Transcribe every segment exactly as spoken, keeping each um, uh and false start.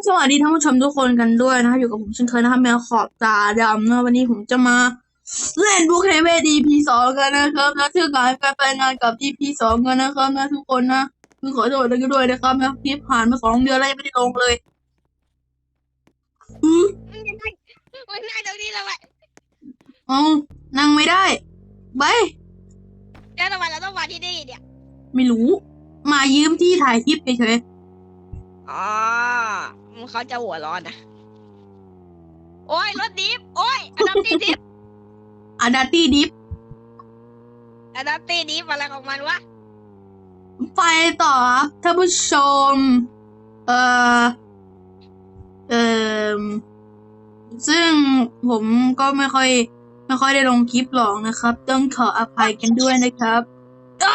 สวัสดีท่านผู้ชมทุกคนกันด้วยนะครับอยู่กับผมเช่นเคยนะครับแมวขอบตาดำนะวันนี้ผมจะมาเล่นบุคเฮเวดี พี สองกันนะครับนะชื่อการการไปงานกับ อี พี สองกันนะครับนะทุกคนนะคือขอโทษด้วยนะครับนะคลิปผ่านมาสองเดือนแล้วยังไม่ได้ลงเลยอือมันนั่งมันนั่งตรงนี้ทำไมเอานั่งไม่ได้ไปแล้วทำไมเราต้องมาที่นี่เนี่ยไม่รู้มายืมที่ถ่ายคลิปเฉยอ๋อมันเขาจะหัวร้อนนะโอ้ยรถดิฟโอ้ยอะดัปตี้ดิฟๆอะดาตี้ดิฟอะดัปตี้ดิฟอะไรของมันวะไปต่อครับท่านผู้ชมเอ่อเอ่อซึ่งผมก็ไม่ค่อยไม่ค่อยได้ลงคลิปหรอกนะครับต้องขออภัยกันด้วยนะครับอ้า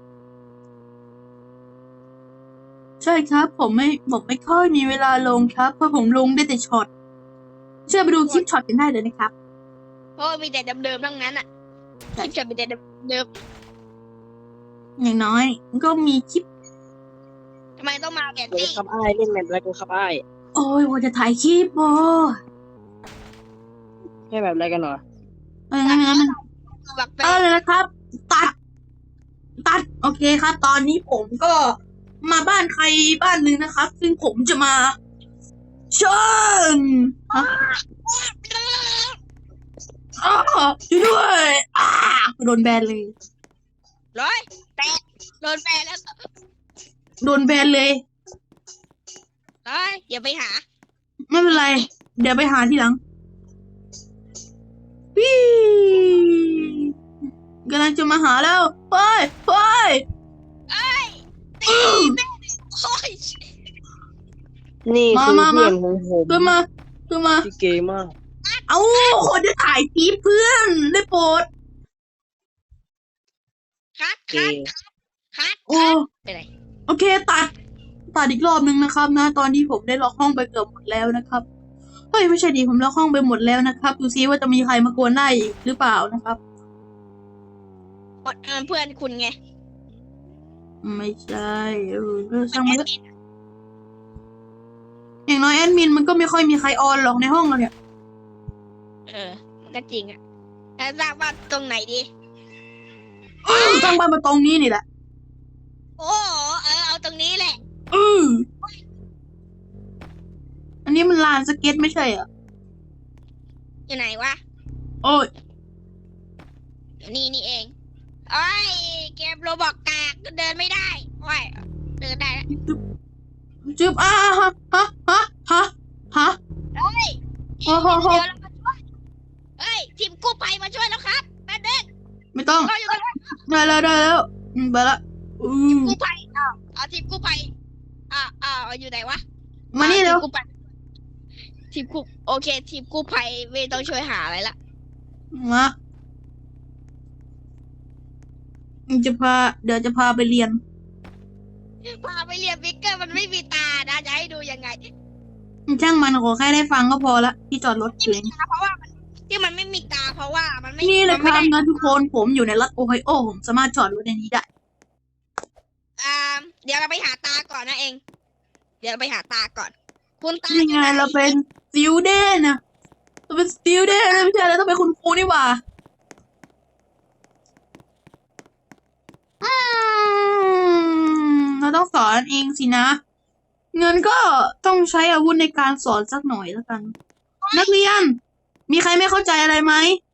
ใช่ครับผมไม่ผมไม่ค่อยมีเวลาลงครับเพราะผมลงได้แต่ช็อตเชื่อไปดูคลิปช็อตกันได้เลยนะครับเพราะมีแต่เดิมๆทั้งนั้นอ่ะคลิปจะมีแต่เดิมอย่างน้อยก็มีคลิปๆทำไมต้องมาแกเลยตี้ครับไอ้ายเล่นแมปอะไรกันครับไอ้ายโอ้ยว่าจะถ่ายคลิปโอ้แค่แบบอะไรกันเหรอเอองั้นงั้นบักเตเออเลยนะครับ ตัด ตัด โอเคครับ ตอนนี้ผมก็มาบ้านใครบ้านหนึ่งนะครับ ซึ่งผมจะมาเชิญฮะอ้าวช่วยด้วยอ้าโดนแบนเลยร้อยแตะโดนแฟนแล้วโดนแบนเลยร้อยอย่าไปหาไม่เป็นไร เดี๋ยวไปหาทีหลังวิกำลังจะมาหาแล้วไปไปเอ้ยตีแม่โอ้ยนี่มาคือมามาเพื่อนของผมขึ้นมาขึ้นมาที่เกย์มากเอ้าคนจะถ่ายคลิปเพื่อนได้โปรดคัดเกคัดย์คัดโอ้ไปไหนโอเคตัด ตัดอีกรอบนึงนะครับนะ ตอนนี้ผมได้ล็อกห้องไปเกือบหมดแล้วนะครับเฮ้ยไม่ใช่ดีผมล็อกห้องไปหมดแล้วนะครับดูซิว่าจะมีใครมากวนได้อีกหรือเปล่านะครับเพื่อนคุณไงไม่ใช่เออก็ช่างมันเถอะอย่างน้อยแอดมินมันก็ไม่ค่อยมีใครออนหรอกในห้องเราเนี่ยเออมันก็จริงอ่ะแล้วสร้างบ้านตรงไหนดีสร้างบ้านมาตรงนี้นี่แหละโอ้โหเออเอาตรงนี้แหละอืออันนี้มันลานสเก็ตไม่ใช่เหรออยู่ไหนวะโอ้ยอยู่นี่นี่เองโอ้ยเกมโรบอกกากเดินไม่ได้โอ้ยเดินได้แล้วจึ๊บอ้าฮะฮะฮะฮะฮะเฮ้ยโอ้โหเดี๋ยวเรามาช่วยเฮ้ยทีมกู้ภัยมาช่วยแล้วครับแป๊บนึงไม่ต้องก็อยู่กันแล้วได้แล้วได้แล้วอืมไปละอืมกู้ภัยอ้าวเอาทีมกู้ภัยอ่าอ่าอยู่ไหนวะมานี่เร็วทีมกู้ภัยทีมกู้โอเค ทีมกู้ภัยไม่ต้องช่วยหาอะไรละมาจะพา เดี๋ยวจะพาไปเรียนพาไปเรียนวิกเกอร์มันไม่มีตานะจะให้ดูยังไงช่างมันขอแค่ได้ฟังก็พอละที่จอดรถอยู่ไม่มีตาเพราะว่ามันที่มันไม่มีตาเพราะว่ามันไม่นี่เลยคมัรับไม่ได้นะทุกคนผมอยู่ในรัฐโอไฮโอผมสามารถจอดรถในนี้ได้อ่าเดี๋ยวเราไปหาตาก่อนนะเอง เดี๋ยวเราไปหาตาก่อน คุณตานี่อยู่ไงไหนเราเป็นสติวเดนนะเราเป็นสติวเดนนะไม่ใช่แล้วต้องเป็นคุณครูนี่หว่าอืมเราต้องสอนเองสินะ เงินก็ต้องใช้อาวุธในการสอนสักหน่อยแล้วกัน นักเรียน มีใครไม่เข้าใจอะไรไหม